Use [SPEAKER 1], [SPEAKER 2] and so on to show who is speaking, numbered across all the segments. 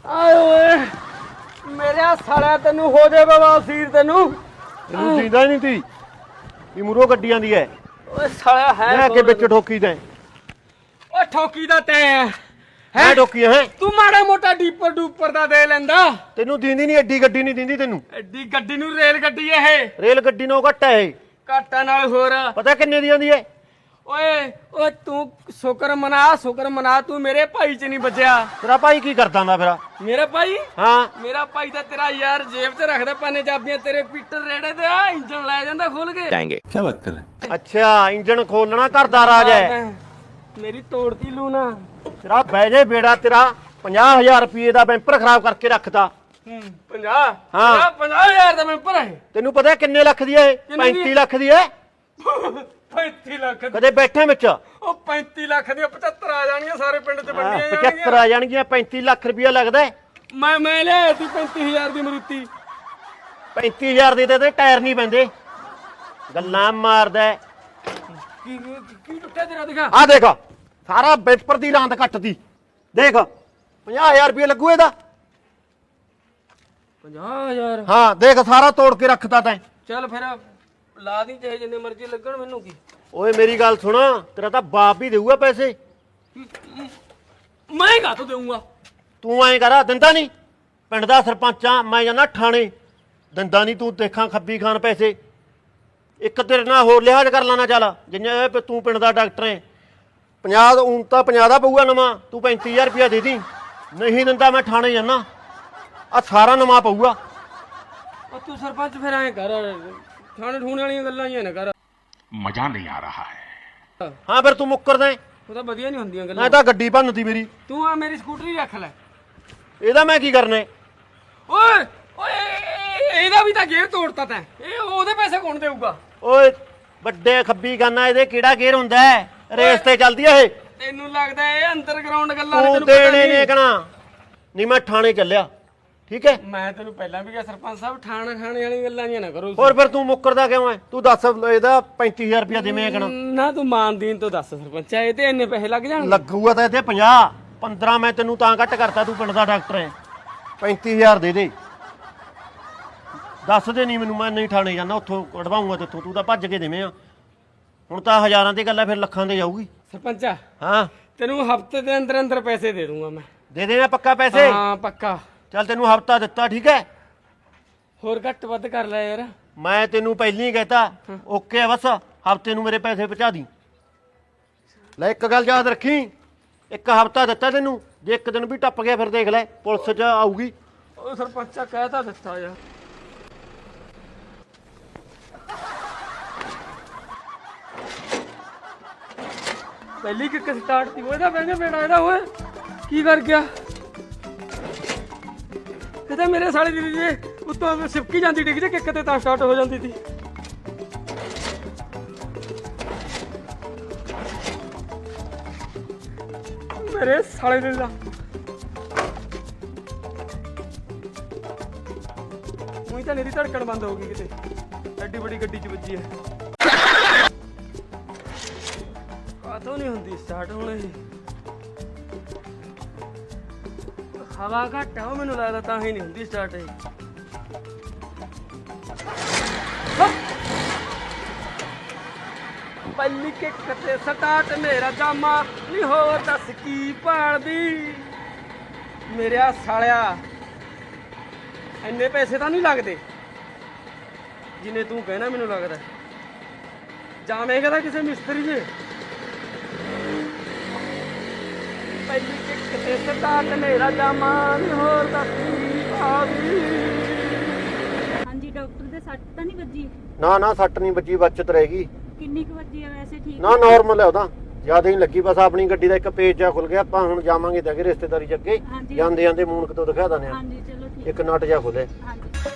[SPEAKER 1] ਆਏ ਓਏ ਮੇਰੇ ਸਾਲਿਆ ਤੈਨੂੰ ਹੋ ਜਾਏ ਬਵਾਸੀਰ ਤੈਨੂੰ
[SPEAKER 2] ਜੀਂਦਾ ਹੀ ਨਹੀਂ ਤੀ ਵੀ ਮੂਰੋ ਗੱਡੀ ਆਂਦੀ ਐ
[SPEAKER 1] ਓਏ ਸਾਲਿਆ ਹੈ
[SPEAKER 2] ਲੈ ਕੇ ਵਿੱਚ ਠੋਕੀ ਤੈਂ
[SPEAKER 1] ਓਏ ਠੋਕੀ ਦਾ ਤੈਂ
[SPEAKER 2] ਹੈ ਠੋਕੀ ਹੈ
[SPEAKER 1] ਤੂੰ ਮਾੜਾ ਮੋਟਾ ਡੀਪਰ ਡੂਪਰ ਦਾ ਦੇ ਲੈਂਦਾ
[SPEAKER 2] ਤੈਨੂੰ ਦੀਂਦੀ ਨਹੀਂ ਐਡੀ ਗੱਡੀ ਨਹੀਂ ਦਿੰਦੀ ਤੈਨੂੰ
[SPEAKER 1] ਐਡੀ ਗੱਡੀ ਨੂੰ ਰੇਲ ਗੱਡੀ ਇਹ
[SPEAKER 2] ਰੇਲ ਗੱਡੀ ਨੂੰ ਘੱਟ ਐ ਇਹ
[SPEAKER 1] ਘਾਟਾ ਨਾਲ ਹੋਰ
[SPEAKER 2] ਪਤਾ ਕਿੰਨੇ ਦੀ ਆਂਦੀ ਐ
[SPEAKER 1] ਓਏ ਓਏ ਤੂੰ ਸ਼ੁਕਰ ਮਨਾ ਤੂੰ ਮੇਰੇ ਭਾਈ ਚ ਨਹੀਂ ਵੱਜਿਆ
[SPEAKER 2] ਤੇਰਾ ਭਾਈ ਕੀ ਕਰਦਾ ਹੁੰਦਾ ਫਿਰ
[SPEAKER 1] ਮੇਰਾ ਭਾਈ
[SPEAKER 2] ਹਾਂ
[SPEAKER 1] ਮੇਰਾ ਭਾਈ ਤਾਂ ਤੇਰਾ ਯਾਰ ਜੇਬ 'ਚ ਰੱਖਦਾ ਪਾਨੇ ਚਾਬੀਆਂ ਤੇਰੇ ਪੀਟਰ ਰੇੜੇ ਤੇ ਆ ਇੰਜਣ ਲੈ ਜਾਂਦਾ ਖੋਲ ਕੇ
[SPEAKER 3] जाएंगे क्या बात कर रहे हैं
[SPEAKER 2] ਅੱਛਾ ਇੰਜਣ ਖੋਲਣਾ ਘਰ ਦਾ ਰਾਜ ਐ
[SPEAKER 1] ਮੇਰੀ ਤੋੜਤੀ ਲੂਣਾ
[SPEAKER 2] ਤੇਰਾ ਬਹਿ ਜੇ ਬੇੜਾ ਤੇਰਾ 50000 ਰੁਪਏ ਦਾ ਬੈਂਪਰ ਖਰਾਬ ਕਰਕੇ ਰੱਖਤਾ
[SPEAKER 1] 50
[SPEAKER 2] ਹਾਂ।
[SPEAKER 1] 50000 ਦਾ ਮੈਂਪਰ ਹੈ
[SPEAKER 2] ਤੈਨੂੰ ਪਤਾ ਕਿੰਨੇ ਲੱਖ ਦੀ ਐ
[SPEAKER 1] ਕਿੰਨੇ ਦੀ?
[SPEAKER 2] 35 ਲੱਖ ਦੀ ਐ
[SPEAKER 1] 35 ਲੱਖ ਦੀ।
[SPEAKER 2] ਕਦੇ ਬੈਠੇ ਵਿੱਚ
[SPEAKER 1] ਉਹ 35 ਲੱਖ ਦੀਆਂ 75 ਆ ਜਾਣਗੀਆਂ ਸਾਰੇ ਪਿੰਡ 'ਚ ਵੰਡੀਆਂ
[SPEAKER 2] 75 ਆ ਜਾਣਗੀਆਂ 35 ਲੱਖ ਰੁਪਇਆ ਲੱਗਦਾ
[SPEAKER 1] ਮੈਂ ਲਿਆ ਸੀ 35000 ਦੀ ਮਰੂਤੀ
[SPEAKER 2] 35000 ਦੇ ਤੇ ਟਾਇਰ ਨਹੀਂ ਪੈਂਦੇ ਗੱਲਾਂ ਮਾਰਦਾ
[SPEAKER 1] ਕੀ ਟੁੱਟਿਆ ਤੇਰਾ ਦਿਖਾ
[SPEAKER 2] ਆ ਦੇਖ ਸਾਰਾ ਬੈਂਪਰ ਦੀ ਲਾਂਦ ਕੱਟਦੀ ਦੇਖ 50000 ਰੁਪਏ ਲੱਗੂ ਇਹਦਾ
[SPEAKER 1] 50000
[SPEAKER 2] ਹਾਂ ਦੇਖ ਸਾਰਾ ਤੋੜ ਕੇ ਰੱਖਤਾ ਤੈਂ
[SPEAKER 1] ਚੱਲ ਫਿਰ ਲਾ ਦੀ ਚਾਹੇ ਜਿੰਨੇ ਮਰਜ਼ੀ ਲੱਗਣ ਮੈਨੂੰ ਕੀ
[SPEAKER 2] ਓਏ ਮੇਰੀ ਗੱਲ ਸੁਣ ਤੇਰਾ ਤਾਂ ਬਾਪ ਵੀ ਦੇਊਗਾ ਪੈਸੇ
[SPEAKER 1] ਮੈਂ ਕਾ ਤੂੰ ਦੇਊਂਗਾ
[SPEAKER 2] ਤੂੰ ਐਂ ਕਰ ਦਿੰਦਾ ਨਹੀਂ ਪਿੰਡ ਦਾ ਸਰਪੰਚ ਆ ਮੈਂ ਜਾਂਦਾ ਠਾਣੇ ਦਿੰਦਾ ਨਹੀਂ ਤੂੰ ਦੇਖਾਂ ਖੱਬੀ ਖਾਨ ਪੈਸੇ ਇੱਕ ਤੇਰੇ ਨਾਲ ਹੋਰ ਲਿਹਾਜ਼ ਕਰ ਲੈਣਾ ਚੱਲ ਜਿੰਨੇ ਤੂੰ ਪਿੰਡ ਦਾ ਡਾਕਟਰ ਐ 50 ਉਂ ਤਾਂ 50 ਦਾ ਪਊਗਾ ਨਵਾਂ ਤੂੰ 35000 ਰੁਪਇਆ ਦੇ ਦੀ ਨਹੀਂ ਦਿੰਦਾ ਮੈਂ ਠਾਣੇ ਜਾਣਾ ਆ ਸਾਰਾ ਨਵਾਂ ਪਊਗਾ
[SPEAKER 1] ਉਹ ਤੂੰ ਸਰਪੰਚ ਫਿਰ ਐਂ ਕਰ ਥਾਣੇ ਠੂਣੇ ਵਾਲੀਆਂ ਗੱਲਾਂ ਹੀ ਨਾ ਕਰ
[SPEAKER 3] मजा नहीं आ रहा है
[SPEAKER 2] ਹਾਂ ਫਿਰ ਤੂੰ ਮੁੱਕਰਦਾ ਐਂ।
[SPEAKER 1] ਉਹ ਤਾਂ ਵਧੀਆ ਨਹੀਂ ਹੁੰਦੀਆਂ ਗੱਲਾਂ
[SPEAKER 2] ਮੈਂ ਤਾਂ ਗੱਡੀ ਭੰਨਤੀ ਮੇਰੀ
[SPEAKER 1] ਤੂੰ ਆ ਮੇਰੀ ਸਕੂਟਰੀ ਰੱਖ ਲੈ
[SPEAKER 2] ਇਹਦਾ ਮੈਂ ਕੀ ਕਰਨਾ ਹੈ?
[SPEAKER 1] ਓਏ ਓਏ ਇਹਦਾ ਵੀ ਤਾਂ ਗੇਅਰ ਤੋੜਤਾ ਤੈਂ ਇਹ ਉਹਦੇ ਪੈਸੇ ਕੌਣ ਦੇਊਗਾ
[SPEAKER 2] ਓਏ ਵੱਡੇ ਖੱਬੀ ਖਾਨਾ ਇਹਦੇ ਕਿਹੜਾ ਗੇਰ ਹੁੰਦਾ ਹੈ ਰੇਸ ਤੇ ਚੱਲਦੀ ਐ ਇਹ
[SPEAKER 1] ਤੈਨੂੰ ਲੱਗਦਾ ਇਹ ਅੰਡਰਗਰਾਉਂਡ ਗੱਲਾਂ ਨੇ
[SPEAKER 2] ਤੂੰ
[SPEAKER 1] ਤੈਨੂੰ ਪਤਾ
[SPEAKER 2] ਦੇਣੇ
[SPEAKER 1] ਨਹੀਂ।
[SPEAKER 2] ਨੇ ਕਹਣਾ ਨਹੀਂ ਮੈਂ ਠਾਣੇ ਚੱਲਿਆ ਠੀਕ ਹੈ
[SPEAKER 1] ਮੈਂ ਤੈਨੂੰ ਪਹਿਲਾਂ ਵੀ ਕਿਹਾ ਸਰਪੰਚ ਸਾਹਿਬ ਠਾਣੇ ਵਾਲੀਆਂ ਗੱਲਾਂ ਨਹੀਂ ਨਾ ਕਰੋ
[SPEAKER 2] ਹੋਰ ਫਿਰ ਤੂੰ ਮੁੱਕਰਦਾ ਕਿਉਂ ਐ ਤੂੰ ਦੱਸ ਇਹਦਾ 35000 ਰੁਪਇਆ ਦੇਵੇਂ ਕਹਣਾ
[SPEAKER 1] ਨਾ ਤੂੰ ਮਾਨਦੀਨ ਤੋਂ ਦੱਸ ਸਰਪੰਚ ਇਹ ਤੇ ਇੰਨੇ ਪੈਸੇ ਲੱਗ ਜਾਣਗੇ
[SPEAKER 2] ਲੱਗੂਗਾ ਤਾਂ ਇੱਥੇ 50 15 ਮੈਂ ਤੈਨੂੰ ਤਾਂ ਘੱਟ ਕਰਤਾ ਤੂੰ ਪਿੰਡ ਦਾ ਡਾਕਟਰ ਐ 35000 ਦੇ ਦੇ ਦੱਸ ਦੇ ਨਹੀਂ ਮੈਨੂੰ ਮੈਂ ਨਹੀਂ ਠਾਣੇ ਜਾਣਾ ਉੱਥੋਂ ਕਢਵਾਉਂਗਾ ਤੇਥੋਂ ਤੂੰ ਤਾਂ ਭੱਜ ਕੇ ਦੇਵੇਂ ਆ ਹੁਣ ਤਾਂ ਹਜ਼ਾਰਾਂ ਦੀ ਗੱਲ ਐ ਫਿਰ ਲੱਖਾਂ ਦੇ ਜਾਊਗੀ
[SPEAKER 1] ਸਰਪੰਚਾ
[SPEAKER 2] ਹਾਂ
[SPEAKER 1] ਤੈਨੂੰ ਹਫਤੇ ਦੇ ਅੰਦਰ ਪੈਸੇ ਦੇ ਦੂੰਗਾ ਮੈਂ
[SPEAKER 2] ਦੇ ਦੇਣਾ ਪੱਕਾ ਪੈਸੇ
[SPEAKER 1] ਹਾਂ ਪੱਕਾ
[SPEAKER 2] ਚੱਲ ਤੈਨੂੰ ਹਫਤਾ ਦਿੱਤਾ ਠੀਕ ਹੈ
[SPEAKER 1] ਹੋਰ ਘੱਟ ਵੱਧ ਕਰ ਲੈ ਯਾਰ
[SPEAKER 2] ਮੈਂ ਤੈਨੂੰ ਪਹਿਲਾਂ ਹੀ ਕਹਿਤਾ ਓਕੇ ਆ ਬਸ ਹਫਤੇ ਨੂੰ ਮੇਰੇ ਪੈਸੇ ਪਹੁੰਚਾ ਦੀ ਲੈ ਇੱਕ ਗੱਲ ਯਾਦ ਰੱਖੀ ਇੱਕ ਹਫਤਾ ਦਿੱਤਾ ਤੈਨੂੰ ਜੇ ਇੱਕ ਦਿਨ ਵੀ ਟੱਪ ਗਿਆ ਫਿਰ ਦੇਖ ਲੈ ਪੁਲਿਸ 'ਚ ਆਊਗੀ
[SPEAKER 1] ਉਹ ਸਰਪੰਚਾ ਕਹਿ ਤਾਂ ਦਿੱਤਾ ਯਾਰ ਪਹਿਲੀ ਕਿੱਕ ਸਟਾਰਟ ਤੀ ਉਹਦਾ ਬੈਂਗੇ ਬੇੜਾ ਇਹਦਾ ਓਏ ਕੀ ਕਰ ਗਿਆ ਇਹ ਤਾਂ ਮੇਰੇ ਸਾਲੇ ਦੀ ਜੇ ਉੱਤੋਂ ਸਿਪਕੀ ਜਾਂਦੀ ਡਿੱਗ ਜੇ ਕਿੱਕ ਤੇ ਤਾਂ ਸਟਾਰਟ ਹੋ ਜਾਂਦੀ ਸੀ ਮੇਰੇ ਸਾਲੇ ਦੇ ਦਾ ਉਹੀ ਤਾਂ ਮੇਰੀ ਧੜਕਣ ਬੰਦ ਹੋ ਗਈ ਕਿਤੇ ਐਡੀ ਵੱਡੀ ਗੱਡੀ 'ਚ ਵੱਜੀ ਹੈ ਕਾਹਤੋਂ ਨਹੀਂ ਹੁੰਦੀ ਸਟਾਰਟ ਹੁਣ ਇਹ ਹਵਾ ਘੱਟ ਆ ਉਹ ਮੈਨੂੰ ਲੱਗਦਾ ਤਾਂ ਹੀ ਨਹੀਂ ਹੁੰਦੀ ਸਟਾਰਟ ਇਹ ਪਹਿਲੀ ਕਿੱਕ ਤੇ ਸਟਾਰਟ ਮੇਰਾ ਜਾਮਾ ਨਹੀਂ ਹੋਰ ਦੱਸ ਕੀ ਭਾਲਦੀ ਮੇਰਿਆ ਸਾਲਿਆ ਇੰਨੇ ਪੈਸੇ ਤਾਂ ਨਹੀਂ ਲੱਗਦੇ ਜਿੰਨੇ ਤੂੰ ਕਹਿਣਾ ਮੈਨੂੰ ਲੱਗਦਾ ਜਾਵੇਂਗਾ ਤਾਂ ਕਿਸੇ ਮਿਸਤਰੀ ਦੇ ਪਹਿਲੀ ਕਿੱਕ ਤੇ ਸਟਾਰਟ ਮੇਰਾ ਜਾਮਾ ਨਹੀਂ ਹੋਰ ਦੱਸ ਕੀ ਭਾਲਦੀ
[SPEAKER 4] ਹਾਂਜੀ ਡਾਕਟਰ ਦੇ ਸੱਟ ਤਾਂ ਨਹੀਂ ਵੱਜੀ
[SPEAKER 2] ਨਾ ਸੱਟ ਨਹੀਂ ਵੱਜੀ ਬਚਤ ਰਹੇਗੀ
[SPEAKER 4] ਕਿੰਨੀ ਕੁ ਵੱਜੀ ਆ ਵੈਸੇ ਠੀਕ
[SPEAKER 2] ਨਾ ਨਾਰਮਲ ਹੈ ਉਹਦਾ ਜਿਆਦਾ ਹੀ ਲੱਗੀ ਬਸ ਆਪਣੀ ਗੱਡੀ ਦਾ ਇੱਕ ਪੇਜ ਜਾ ਖੁੱਲ ਗਿਆ ਆਪਾਂ ਹੁਣ ਜਾਵਾਂਗੇ ਤਾਂ ਕਿ ਰਿਸ਼ਤੇਦਾਰੀ ਚ ਅੱਗੇ
[SPEAKER 4] ਹਾਂਜੀ।
[SPEAKER 2] ਜਾਂਦੇ ਜਾਂਦੇ ਮੂਨਕ ਤੋਂ ਦਿਖਾ ਦਨੇ ਆ
[SPEAKER 4] ਹਾਂਜੀ ਚਲੋ ਠੀਕ
[SPEAKER 2] ਇੱਕ ਨਟ ਜਾ ਖੁੱਲੇ
[SPEAKER 4] ਹਾਂਜੀ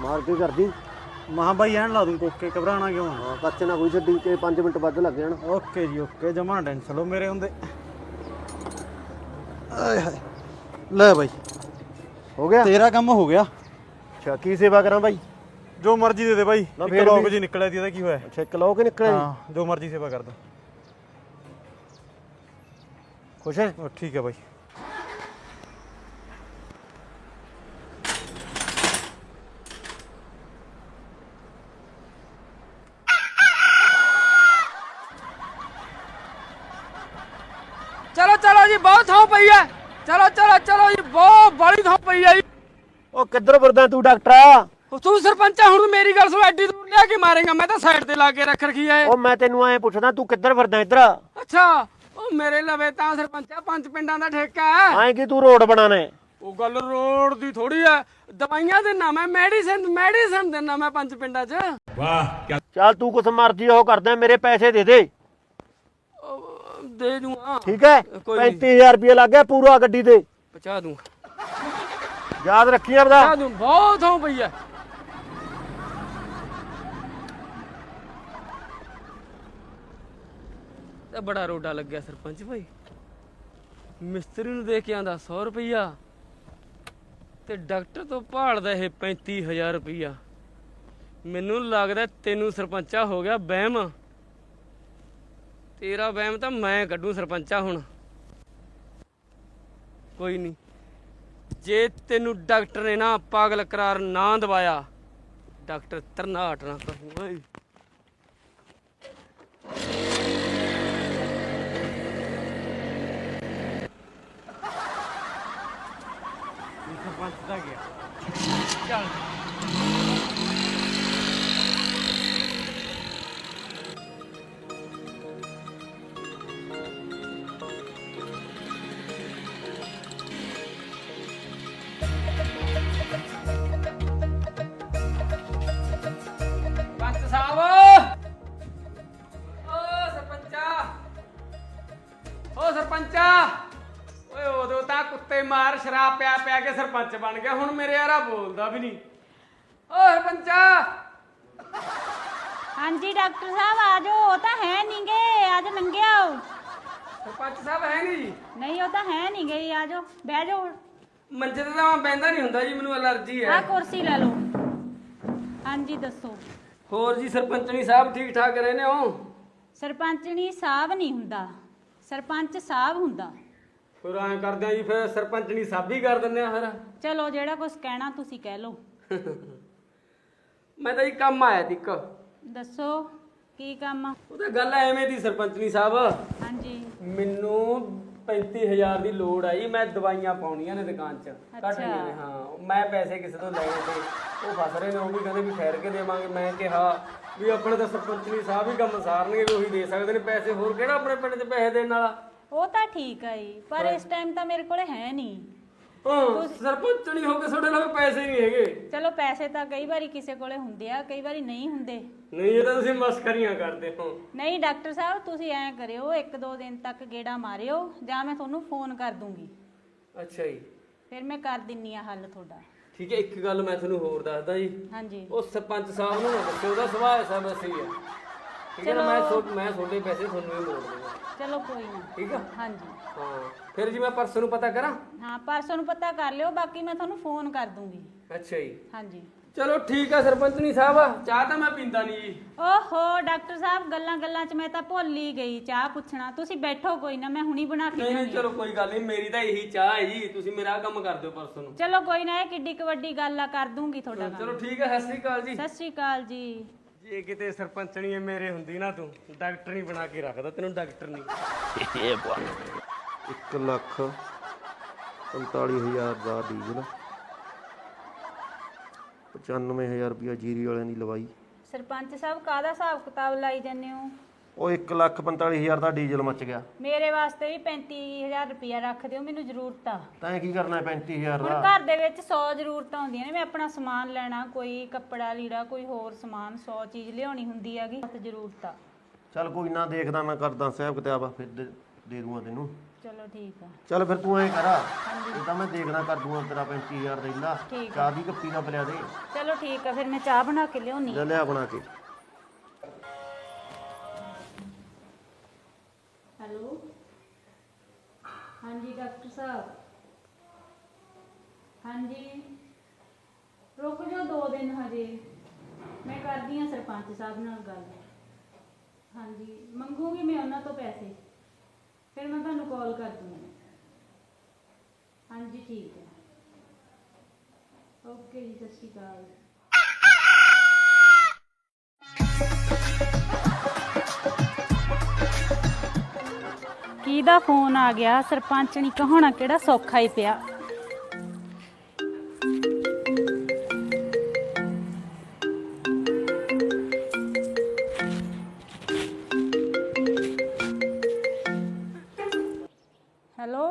[SPEAKER 2] ਮਾਰ ਕੇ ਕਰਦੀ।
[SPEAKER 5] ਮਹਾਂ ਬਾਈ ਐਨ ਲਾ ਦੂੰ ਕੋਕੇ, ਘਬਰਾਣਾ ਕਿਉਂ ਆ?
[SPEAKER 2] ਹਾਂ ਕੱਚ ਨਾ ਕੋਈ ਛੱਡੀ ਕਿ 5 ਮਿੰਟ ਵੱਧ ਲੱਗ ਜਾਣ।
[SPEAKER 5] ਓਕੇ ਜੀ ਓਕੇ, ਜਮਾ ਟੈਨਸ਼ਨ ਲਓ ਮੇਰੇ ਹੁੰਦੇ। ਆਏ ਹਾਏ ਲੈ ਬਾਈ,
[SPEAKER 2] ਹੋ ਗਿਆ
[SPEAKER 5] ਤੇਰਾ ਕੰਮ ਹੋ ਗਿਆ।
[SPEAKER 2] ਅੱਛਾ ਕੀ ਸੇਵਾ ਕਰਾਂ ਬਾਈ?
[SPEAKER 5] ਜੋ ਮਰਜ਼ੀ ਦੇ ਦੇ ਬਾਈ।
[SPEAKER 2] ਨਾ
[SPEAKER 5] ਇੱਕ
[SPEAKER 2] ਫੇਰ
[SPEAKER 5] ਲੋਕ
[SPEAKER 2] ਵੀ-
[SPEAKER 5] ਜੀ ਨਿਕਲਿਆ ਦੀ, ਇਹਦਾ ਕੀ ਹੋਇਆ?
[SPEAKER 2] ਅੱਛਾ ਇੱਕ ਲਓ ਕਿ ਨਿਕਲਿਆ ਜੀ?
[SPEAKER 5] ਹਾਂ ਜੋ ਮਰਜ਼ੀ ਸੇਵਾ ਕਰ ਦੋ।
[SPEAKER 2] ਖੁਸ਼ ਹੈ?
[SPEAKER 5] ਉਹ ਠੀਕ ਹੈ ਬਾਈ।
[SPEAKER 1] ਚਲੋ ਚਲੋ ਜੀ, ਬਹੁਤ ਥਾਂ ਪਈ ਹੈ। ਚਲੋ ਚਲੋ ਚਲੋ ਜੀ, ਬਹੁਤ ਬੜੀ ਥਾਂ ਪਈ ਹੈ ਜੀ।
[SPEAKER 2] ਉਹ ਕਿੱਧਰ ਫਿਰਦਾ ਤੂੰ ਡਾਕਟਰਾ?
[SPEAKER 1] ਤੂੰ ਸਰਪੰਚ ਆ, ਹੁਣ ਮੇਰੀ ਗੱਲ ਸੁਣ। ਐਡੀ ਦੂਰ ਲਿਆ ਕੇ ਮਾਰੇਗਾ? ਮੈਂ ਤਾਂ ਸਾਈਡ ਤੇ ਲਾ ਕੇ ਰੱਖ ਰਖੀ ਹੈ।
[SPEAKER 2] ਉਹ ਮੈਂ ਤੈਨੂੰ ਐਂ ਪੁੱਛਦਾ ਤੂੰ ਕਿੱਧਰ ਫਿਰਦਾ ਇੱਧਰ?
[SPEAKER 1] ਅੱਛਾ, ਉਹ ਮੇਰੇ ਲਵੇ ਤਾਂ ਸਰਪੰਚ ਆ, 5 ਪਿੰਡਾਂ ਦਾ ਠੇਕਾ ਹੈ।
[SPEAKER 2] ਐਂ ਕੀ ਤੂੰ ਰੋਡ ਬਣਾਣਾ?
[SPEAKER 1] ਉਹ ਗੱਲ ਰੋਡ ਦੀ ਥੋੜੀ ਹੈ। ਦਵਾਈਆਂ ਦੇ ਨਾਮ ਹੈ, ਮੈਡੀਸਨ ਦੇ ਨਾਮ ਹੈ 5 ਪਿੰਡਾਂ 'ਚ।
[SPEAKER 2] ਚੱਲ ਤੂੰ ਕੁਛ ਮਰਜ਼ੀ ਉਹ ਕਰਦਾ, ਮੇਰੇ ਪੈਸੇ ਦੇ ਦੇ।
[SPEAKER 1] ਦੇ ਦੂੰਗਾ,
[SPEAKER 2] ਠੀਕ ਹੈ?
[SPEAKER 1] ਕੋਈ ਨੀ।
[SPEAKER 2] 35000 ਰੁਪਏ ਲੱਗ ਗਿਆ ਪੂਰਾ ਗੱਡੀ ਤੇ।
[SPEAKER 1] ਪਹੁੰਚਾ ਦੂੰ,
[SPEAKER 2] ਯਾਦ ਰੱਖੀ ਆਪਦਾ।
[SPEAKER 1] ਪਹੁੰਚਾ ਦੂੰ, ਬਹੁਤ ਥਾਂ ਪਈ ਹੈ। ਤੇ ਬੜਾ ਰੋਡਾ ਲੱਗਿਆ ਸਰਪੰਚ ਭਾਈ। ਮਿਸਤਰੀ ਨੂੰ ਦੇ ਕੇ ਆਂਦਾ 100 ਰੁਪਈਆ ਤੇ ਡਾਕਟਰ ਤੋਂ ਭਾਲਦਾ ਇਹ 35000 ਰੁਪਈਆ। ਮੈਨੂੰ ਲੱਗਦਾ ਤੈਨੂੰ ਸਰਪੰਚਾ ਹੋ ਗਿਆ ਵਹਿਮ। ਤੇਰਾ ਵਹਿਮ ਤਾਂ ਮੈਂ ਕੱਢੂ ਸਰਪੰਚਾ ਹੁਣ। ਕੋਈ ਨਹੀਂ, ਜੇ ਤੈਨੂੰ ਡਾਕਟਰ ਨੇ ਨਾ ਪਾਗਲ ਕਰਾਰ ਨਾ ਦਵਾਇਆ, ਡਾਕਟਰ ਤਰਨਾਟ ਨਾ ਕਰੂ ਓਏ।
[SPEAKER 5] ਸਰਪੰਚ ਦਾ ਗਿਆ।
[SPEAKER 1] ਚੱਲ ਪੰਚ ਸਾਹਿਬ, ਓ ਸਰਪੰਚਾ, ਓਏ ਉਦੋਂ ਤਾਂ ਕੁੱਤੇ ਮਾਰ ਸ਼ਰਾਬ ਪਿਆ ਪਿਆ ਕੇ ਸਰਪੰਚ ਬਣ ਗਿਆ, ਹੁਣ ਮੇਰੇ ਯਾਰਾ ਬੋਲਦਾ ਵੀ ਨਹੀਂ। ਓ ਸਰਪੰਚਾ।
[SPEAKER 4] ਹਾਂਜੀ ਡਾਕਟਰ ਸਾਹਿਬ ਆ ਜਾਓ। ਉਹ ਤਾਂ ਹੈ ਨਹੀਂ ਗੇ, ਅੱਜ ਲੰਘਿਆ ਆਓ।
[SPEAKER 1] ਸਰਪੰਚ ਸਾਹਿਬ ਹੈ ਨਹੀਂ ਜੀ?
[SPEAKER 4] ਨਹੀਂ ਉਹ ਤਾਂ ਹੈ ਨਹੀਂ ਗਈ, ਆ ਜਾਓ ਬਹਿ ਜਾਓ।
[SPEAKER 1] ਮੰਜੇ ਤੇ ਤਾਂ ਮੈਂ ਬਹਿੰਦਾ ਨਹੀਂ ਹੁੰਦਾ ਜੀ, ਮੈਨੂੰ ਅਲਰਜੀ
[SPEAKER 4] ਆ
[SPEAKER 1] ਹੈ।
[SPEAKER 4] ਕੁਰਸੀ ਲੈ ਲਓ। ਹਾਂਜੀ ਦੱਸੋ।
[SPEAKER 1] ਹੋਰ ਜੀ ਸਰਪੰਚਣੀ ਸਾਹਿਬ ਠੀਕ ਠਾਕ ਰਹਿੰਦੇ ਹੋ?
[SPEAKER 4] ਸਰਪੰਚਣੀ ਸਾਹਿਬ ਨਹੀਂ ਹੁੰਦਾ, ਸਰਪੰਚ ਸਾਹਿਬ ਹੁੰਦਾ।
[SPEAKER 1] ਫਿਰ ਐਂ ਕਰਦੇ ਆ ਜੀ, ਫਿਰ ਸਰਪੰਚਣੀ ਸਾਹਿਬ ਹੀ ਕਰ ਦਿੰਦੇ ਆ ਫਿਰ।
[SPEAKER 4] ਚਲੋ ਜਿਹੜਾ ਕੁਝ ਕਹਿਣਾ ਤੁਸੀਂ ਕਹਿ ਲਓ।
[SPEAKER 1] ਮੈਂ ਤਾਂ ਜੀ ਕੰਮ ਆਇਆ ਸੀ ਇੱਕ।
[SPEAKER 4] ਦੱਸੋ ਕੀ ਕੰਮ ਆ?
[SPEAKER 1] ਉਹ ਤਾਂ ਗੱਲ ਐਵੇਂ ਦੀ ਸਰਪੰਚਣੀ ਸਾਹਿਬ,
[SPEAKER 4] ਹਾਂਜੀ
[SPEAKER 1] ਮੈਨੂੰ 35000 ਦੀ ਲੋੜ ਆਈ। ਮੈਂ ਦਵਾਈਆਂ ਪਾਉਣੀਆਂ ਨੇ ਦੁਕਾਨ 'ਚ, ਕੱਟਣੀਆਂ ਨੇ। ਹਾਂ, ਮੈਂ ਪੈਸੇ ਕਿਸੇ ਤੋਂ ਲਏ ਤੇ ਉਹ ਫਸ ਰਹੇ ਨੇ। ਉਹ ਵੀ ਕਹਿੰਦੇ ਵੀ ਠਹਿਰ ਕੇ ਦੇਵਾਂਗੇ। ਮੈਂ ਕਿਹਾ ਵੀ ਆਪਣੇ ਤਾਂ ਸਰਪੰਚਣੀ ਸਾਹਿਬ ਹੀ ਕੰਮ ਸਾਰਨਗੇ, ਵੀ ਉਹੀ ਦੇ ਸਕਦੇ ਨੇ ਪੈਸੇ। ਹੋਰ ਕਿਹੜਾ ਆਪਣੇ ਪਿੰਡ 'ਚ ਪੈਸੇ ਦੇਣ ਵਾਲਾ?
[SPEAKER 4] ਉਹ ਤਾਂ ਠੀਕ ਆ ਜੀ, ਪਰ ਇਸ ਟਾਈਮ ਤਾਂ ਮੇਰੇ ਕੋਲੇ ਹੈ ਨਹੀਂ।
[SPEAKER 1] ਹਾਂ, ਸਰਪੰਚਣੀ ਹੋ ਕੇ ਤੁਹਾਡੇ ਨਾਲ ਪੈਸੇ ਨਹੀਂ ਹੈਗੇ।
[SPEAKER 4] ਚਲੋ ਪੈਸੇ ਤਾਂ ਕਈ ਵਾਰੀ ਕਿਸੇ ਕੋਲੇ ਹੁੰਦੇ ਆ, ਕਈ ਵਾਰੀ ਨਹੀਂ ਹੁੰਦੇ।
[SPEAKER 1] ਨਹੀਂ, ਇਹ ਤਾਂ ਤੁਸੀਂ ਮਸਕਰੀਆਂ ਕਰਦੇ ਹੋ।
[SPEAKER 4] ਨਹੀਂ ਡਾਕਟਰ ਸਾਹਿਬ, ਤੁਸੀਂ ਐਂ ਕਰਿਓ, 1-2 ਦਿਨ ਤੱਕ ਗੇੜਾ ਮਾਰਿਓ, ਜਾਂ ਮੈਂ ਤੁਹਾਨੂੰ ਫੋਨ ਕਰ ਦੂੰਗੀ।
[SPEAKER 1] ਅੱਛਾ ਜੀ,
[SPEAKER 4] ਫਿਰ ਮੈਂ ਕਰ ਦਿੰਨੀ ਆ ਹੱਲ ਤੁਹਾਡਾ।
[SPEAKER 1] ਠੀਕ ਹੈ। ਇੱਕ ਗੱਲ ਮੈਂ ਤੁਹਾਨੂੰ ਹੋਰ ਦੱਸਦਾ ਜੀ,
[SPEAKER 4] ਹਾਂਜੀ
[SPEAKER 1] ਉਹ ਸਰਪੰਚ ਸਾਹਿਬ ਨੂੰ ਨਾ ਦੱਸਿਓ, ਉਹਦਾ ਸੁਭਾਅ ਐਸਾ ਵੈਸੇ ਹੀ ਆ। ਠੀਕ ਹੈ ਨਾ? ਮੈਂ ਤੁਹਾਡੇ ਪੈਸੇ ਤੁਹਾਨੂੰ ਹੀ ਮੋੜ ਦੂੰਗਾ।
[SPEAKER 4] ਚਲੋ ਕੋਈ ਨਾ।
[SPEAKER 1] ਠੀਕ ਆ?
[SPEAKER 4] ਹਾਂਜੀ
[SPEAKER 1] ਹਾਂ, ਫਿਰ ਜੀ ਮੈਂ ਪਰਸੋਂ ਨੂੰ ਪਤਾ ਕਰਾਂ?
[SPEAKER 4] ਹਾਂ ਪਰਸੋਂ ਨੂੰ ਪਤਾ ਕਰ ਲਿਓ, ਬਾਕੀ ਮੈਂ ਤੁਹਾਨੂੰ ਫੋਨ ਕਰ ਦੂੰਗੀ।
[SPEAKER 1] ਅੱਛਾ ਜੀ,
[SPEAKER 4] ਹਾਂਜੀ।
[SPEAKER 1] ਚਲੋ ਠੀਕ ਆ ਸਰਪੰਚਣੀ ਸਾਹਿਬ। ਚਾਹ ਤਾਂ ਮੈਂ ਪੀਂਦਾ ਨਹੀਂ ਜੀ।
[SPEAKER 4] ਓਹੋ ਡਾਕਟਰ ਸਾਹਿਬ, ਗੱਲਾਂ 'ਚ ਮੈਂ ਤਾਂ ਭੁੱਲ ਹੀ ਗਈ ਚਾਹ ਪੁੱਛਣਾ। ਤੁਸੀਂ ਬੈਠੋ, ਕੋਈ ਨਾ, ਮੈਂ ਹੁਣੀ ਬਣਾ ਕੇ
[SPEAKER 1] ਨਹੀਂ
[SPEAKER 4] ਲਿਆਉਂਦੀ
[SPEAKER 1] ਚਲੋ ਕੋਈ ਗੱਲ ਨਹੀਂ, ਮੇਰੀ ਤਾਂ ਇਹੀ ਚਾਹ ਹੈ ਜੀ। ਤੁਸੀਂ ਮੇਰਾ ਆਹ ਕੰਮ ਕਰ ਦਿਓ ਪਰਸੋਂ ਨੂੰ।
[SPEAKER 4] ਚਲੋ ਕੋਈ ਨਾ, ਇਹ ਕਿੱਡੀ ਕੁ ਵੱਡੀ ਗੱਲ ਆ, ਕਰ ਦੂੰਗੀ ਤੁਹਾਡਾ ਕੰਮ।
[SPEAKER 1] ਚਲੋ ਠੀਕ ਹੈ, ਸਤਿ ਸ੍ਰੀ ਅਕਾਲ ਜੀ।
[SPEAKER 4] ਸਤਿ ਸ਼੍ਰੀ ਅਕਾਲ ਜੀ।
[SPEAKER 1] ਜੇ ਕਿਤੇ ਸਰਪੰਚਣੀ ਮੇਰੇ ਹੁੰਦੀ ਨਾ, ਤੂੰ ਡਾਕਟਰ ਨਹੀਂ ਬਣਾ ਕੇ ਰੱਖਦਾ ਤੈਨੂੰ, ਡਾਕਟਰ ਨਹੀਂ।
[SPEAKER 2] 1,45,000 ਦਾ ਡੀਜ਼ਲ, 95,000 ਰੁਪਇਆ ਜੀਰੀ ਵਾਲਿਆਂ ਦੀ ਲਵਾਈ।
[SPEAKER 4] ਸਰਪੰਚ ਸਾਹਿਬ ਕਾਹਦਾ ਹਿਸਾਬ ਕਿਤਾਬ ਲਾਈ ਜਾਂਦੇ ਹੋ?
[SPEAKER 2] ਉਹ 1,45,000 ਦਾ ਡੀਜ਼ਲ ਮੱਚ ਗਿਆ।
[SPEAKER 4] ਮੇਰੇ ਵਾਸਤੇ ਵੀ 35,000 ਰੁਪਇਆ ਰੱਖ ਦਿਓ, ਮੈਨੂੰ ਜ਼ਰੂਰਤ ਆ।
[SPEAKER 2] ਤੈਂ ਕੀ ਕਰਨਾ 35,000
[SPEAKER 4] ਹੁਣ
[SPEAKER 2] ਦਾ?
[SPEAKER 4] ਘਰ ਦੇ ਵਿੱਚ 100 ਜ਼ਰੂਰਤਾਂ ਹੁੰਦੀਆਂ ਨੇ। ਮੈਂ ਆਪਣਾ ਸਮਾਨ ਲੈਣਾ, ਕੋਈ ਕੱਪੜਾ ਲੀੜਾ, ਕੋਈ ਹੋਰ ਸਮਾਨ, 100 ਚੀਜ਼ ਲਿਆਉਣੀ ਹੁੰਦੀ ਹੈਗੀ, ਬਹੁਤ ਜ਼ਰੂਰਤ ਆ।
[SPEAKER 2] ਚੱਲ ਕੋਈ ਨਾ, ਦੇਖਦਾ ਮੈਂ ਕਰਦਾ ਹਿਸਾਬ ਕਿਤਾਬ, ਫਿਰ ਦੇ ਦੂੰਗਾ ਤੈਨੂੰ।
[SPEAKER 4] ਚਲੋ ਠੀਕ ਆ।
[SPEAKER 2] ਚੱਲ ਫਿਰ ਤੂੰ ਐਂ ਕਰ, ਇਹ ਤਾਂ ਮੈਂ ਦੇਖਣਾ ਕਰ ਦੂੰਗਾ ਤੇਰਾ 35000 ਦੇ ਲਾ।
[SPEAKER 4] ਠੀਕ ਆ।
[SPEAKER 2] ਚਾਹ ਦੀ ਕੱਪੀ ਨਾ ਪਿਲਾ ਦੇ।
[SPEAKER 4] ਚਲੋ ਠੀਕ ਆ, ਫਿਰ ਮੈਂ ਚਾਹ ਬਣਾ ਕੇ ਲਿਆਉਣੀ।
[SPEAKER 2] ਲੈ ਲਿਆ ਬਣਾ ਕੇ।
[SPEAKER 4] ਹੈਲੋ, ਹਾਂਜੀ ਡਾਕਟਰ ਸਾਹਿਬ। ਹਾਂਜੀ, ਰੁਕ ਜਾਓ 2 ਦਿਨ ਹਜੇ, ਮੈਂ ਕਰਦੀ ਹਾਂ ਸਰਪੰਚ ਸਾਹਿਬ ਨਾਲ ਗੱਲ। ਹਾਂਜੀ, ਮੰਗੂਗੀ ਮੈਂ ਉਹਨਾਂ ਤੋਂ ਪੈਸੇ, ਫਿਰ ਮੈਂ ਤੁਹਾਨੂੰ ਕਾਲ ਕਰ ਦੂੰਗੀ। ਹਾਂਜੀ ਠੀਕ ਹੈ, ਓਕੇ ਜੀ, ਸਤਿ ਸ਼੍ਰੀ ਅਕਾਲ। ਕਿਹਦਾ ਫੋਨ ਆ ਗਿਆ? ਸਰਪੰਚਣੀ ਕਹਾਉਣਾ ਕਿਹੜਾ ਸੌਖਾ ਹੀ ਪਿਆ। ਹੈਲੋ,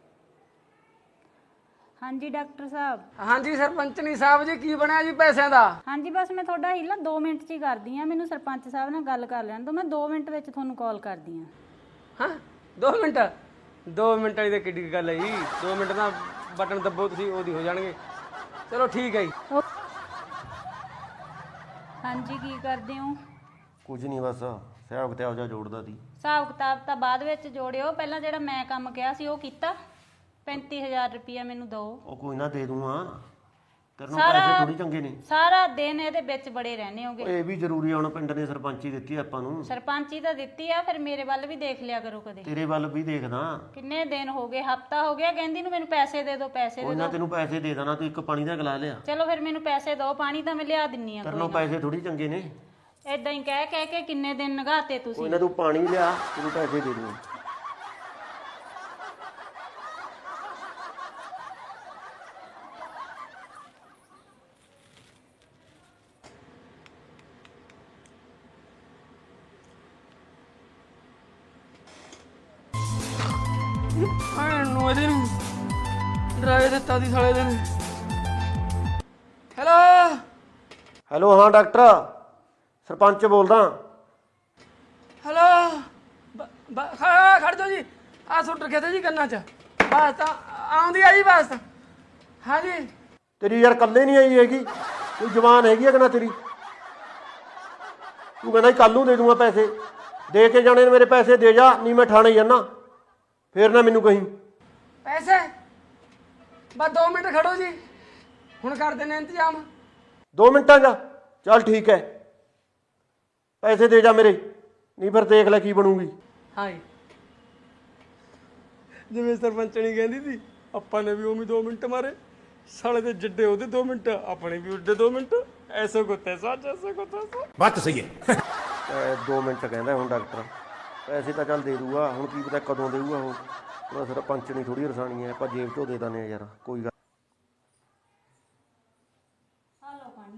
[SPEAKER 4] ਹਾਂਜੀ ਡਾਕਟਰ ਸਾਹਿਬ।
[SPEAKER 1] ਹਾਂਜੀ ਸਰਪੰਚਨੀ ਸਾਹਿਬ ਜੀ, ਕੀ ਬਣਿਆ ਜੀ ਪੈਸਿਆਂ ਦਾ?
[SPEAKER 4] ਹਾਂਜੀ ਬਸ ਮੈਂ ਤੁਹਾਡਾ ਹੀਲਾ 2 ਮਿੰਟ 'ਚ ਹੀ ਕਰਦੀ ਹਾਂ। ਮੈਨੂੰ ਸਰਪੰਚ ਸਾਹਿਬ ਨਾਲ ਗੱਲ ਕਰ ਲੈਣ ਦਿਓ, ਮੈਂ 2 ਮਿੰਟ ਵਿੱਚ ਤੁਹਾਨੂੰ ਕਾਲ ਕਰਦੀ ਹਾਂ।
[SPEAKER 1] ਹਾਂ 2 ਮਿੰਟ? 2 ਮਿੰਟ ਵਾਲੀ ਤਾਂ ਕਿੱਡੀ ਗੱਲ ਹੈ ਜੀ। 2 ਮਿੰਟ ਦਾ ਬਟਨ ਦੱਬੋ ਤੁਸੀਂ, ਉਹਦੀ ਹੋ ਜਾਣਗੇ। ਚਲੋ ਠੀਕ ਹੈ ਜੀ।
[SPEAKER 4] ਹਾਂਜੀ, ਕੀ ਕਰਦੇ ਹੋ?
[SPEAKER 2] ਕੁਝ ਨਹੀਂ, ਬਸ ਹਿਸਾਬ ਕਿਤਾਬ ਜਾ ਜੋੜਦਾ ਸੀ।
[SPEAKER 4] ਹਿਸਾਬ ਕਿਤਾਬ ਤਾਂ ਬਾਅਦ ਵਿੱਚ ਜੋੜਿਓ, ਪਹਿਲਾਂ ਜਿਹੜਾ ਮੈਂ ਕੰਮ ਕਿਹਾ ਸੀ ਉਹ ਕੀਤਾ। 35000 ਰੁਪਇਆ ਮੈਨੂੰ ਦਿਓ।
[SPEAKER 2] ਉਹ ਕੋਈ ਨਾ ਦੇ ਦੂੰਗਾ, ਤੇਰੇ ਨੂੰ ਪੈਸੇ ਥੋੜੀ ਚੰਗੇ ਨੇ।
[SPEAKER 4] ਸਾਰਾ ਦਿਨ ਇਹਦੇ ਵਿੱਚ ਬੜੇ ਰਹਿੰਦੇ ਹੋਗੇ।
[SPEAKER 2] ਇਹ ਵੀ ਜ਼ਰੂਰੀ ਆ, ਹੁਣ ਪਿੰਡ ਨੇ ਸਰਪੰਚੀ ਦਿੱਤੀ ਆਪਾਂ ਨੂੰ।
[SPEAKER 4] ਸਰਪੰਚੀ ਤਾਂ ਦਿੱਤੀ ਆ, ਫਿਰ ਮੇਰੇ ਵੱਲ ਵੀ ਦੇਖ ਲਿਆ ਕਰੋ ਕਦੇ।
[SPEAKER 2] ਤੇਰੇ ਵੱਲ ਵੀ ਦੇਖਦਾ।
[SPEAKER 4] ਕਿੰਨੇ ਦਿਨ ਹੋ ਗਏ? ਹਫਤਾ ਹੋ ਗਿਆ ਕਹਿੰਦੀ ਨੂੰ ਮੈਨੂੰ ਪੈਸੇ ਦੇ ਦਿਓ, ਪੈਸੇ ਦੇ
[SPEAKER 2] ਕੋਈ ਨਾ
[SPEAKER 4] ਦਿਓ।
[SPEAKER 2] ਤੈਨੂੰ ਪੈਸੇ ਦੇ ਦੇਣਾ, ਤੂੰ ਇੱਕ ਪਾਣੀ ਦਾ ਗਲਾ ਲਿਆ।
[SPEAKER 4] ਚਲੋ ਫਿਰ ਮੈਨੂੰ ਪੈਸੇ ਦਿਓ, ਪਾਣੀ ਤਾਂ ਮੈਂ ਲਿਆ ਦਿੰਨੀ ਆ।
[SPEAKER 2] ਤੇਰੇ ਨੂੰ ਪੈਸੇ ਥੋੜੀ ਚੰਗੇ ਨੇ।
[SPEAKER 4] ਏਦਾਂ ਹੀ ਕਹਿ ਕਹਿ ਕੇ ਕਿੰਨੇ ਦਿਨ ਨਗਾਤੇ
[SPEAKER 2] ਕੋਈ
[SPEAKER 4] ਤੁਸੀਂ।
[SPEAKER 2] ਨਾ ਤੂੰ ਪਾਣੀ ਲਿਆ, ਤੈਨੂੰ ਪੈਸੇ ਦੇ ਦੂੰ।
[SPEAKER 1] ਨੂੰ ਇਹਦੇ ਨੂੰ ਡਰਾਵੇ ਦਿੱਤਾ ਦੀ ਸਾਲੇ ਦੇ ਨੇ। ਹੈਲੋ
[SPEAKER 2] ਹੈਲੋ, ਹਾਂ ਡਾਕਟਰ, ਸਰਪੰਚ ਬੋਲਦਾ।
[SPEAKER 1] ਹੈਲੋ, ਖੜ ਜਾਓ ਜੀ। ਆ ਸੁੱਟ ਰੱਖਿਆ ਤੇ ਜੀ ਕੰਨਾਂ 'ਚ। ਬਸ ਤਾਂ ਆਉਂਦੀ ਆ ਜੀ, ਬਸ। ਹਾਂਜੀ
[SPEAKER 2] ਤੇਰੀ ਯਾਰ ਕੱਲੇ ਨਹੀਂ ਆਈ ਹੈਗੀ, ਕੋਈ ਜਵਾਨ ਹੈਗੀ ਆ ਕਿ ਨਾ ਤੇਰੀ? ਤੂੰ ਕਹਿੰਦਾ ਕੱਲ ਨੂੰ ਦੇ ਦੂੰਗਾ ਪੈਸੇ, ਦੇ ਕੇ ਜਾਣੇ ਨੇ ਮੇਰੇ ਪੈਸੇ। ਦੇ ਜਾ, ਨਹੀਂ ਮੈਂ ਠਾਣੇ ਜਾਣਾ, ਫੇਰ ਨਾ ਮੈਨੂੰ ਕਹੀਂ।
[SPEAKER 1] ਪੈਸੇ ਬਸ 2 ਮਿੰਟ ਖੜੋ ਜੀ, ਹੁਣ ਕਰ ਦਿੰਦੇ ਇੰਤਜ਼ਾਮ।
[SPEAKER 2] 2 ਮਿੰਟਾਂ ਦਾ? ਚੱਲ ਠੀਕ ਹੈ, ਪੈਸੇ ਦੇ ਜਾ ਮੇਰੇ, ਨਹੀਂ ਫਿਰ ਦੇਖ ਲੈ ਕੀ ਬਣੂਗੀ।
[SPEAKER 1] ਹਾਂ ਜੀ, ਜਿਵੇਂ ਸਰਪੰਚਣੀ ਕਹਿੰਦੀ ਸੀ, ਆਪਾਂ ਨੇ ਵੀ ਉਵੇਂ 2 ਮਿੰਟ ਮਾਰੇ। ਸਾਲੇ ਦੇ ਜੱਡੇ ਉਹਦੇ 2 ਮਿੰਟ, ਆਪਣੇ ਵੀ ਉੱਡੇ 2 ਮਿੰਟ। ਐਸੋ ਕੋ ਤੈਸਾ, ਜੈਸੋ ਕੋ ਤੈਸਾ।
[SPEAKER 3] बात तो सही है।
[SPEAKER 2] 2 ਮਿੰਟ ਕਹਿੰਦਾ ਹੁਣ ਡਾਕਟਰ। ਪੈਸੇ ਤਾਂ ਚੱਲ ਦੇ ਦੂਗਾ, ਹੁਣ ਕੀ ਪਤਾ ਕਦੋਂ ਦੇਊਗਾ ਉਹ। ਉਹਦਾ ਸਰਪੰਚ ਨਹੀਂ ਥੋੜੀ ਰਸਾਣੀ ਹੈ, ਆਪਾਂ ਜੇਬ ਚੋਂ ਦੇ ਦਿੰਦੇ ਆ ਯਾਰ, ਕੋਈ ਗੱਲ।
[SPEAKER 4] ਆ ਲਓ ਪਾਣੀ।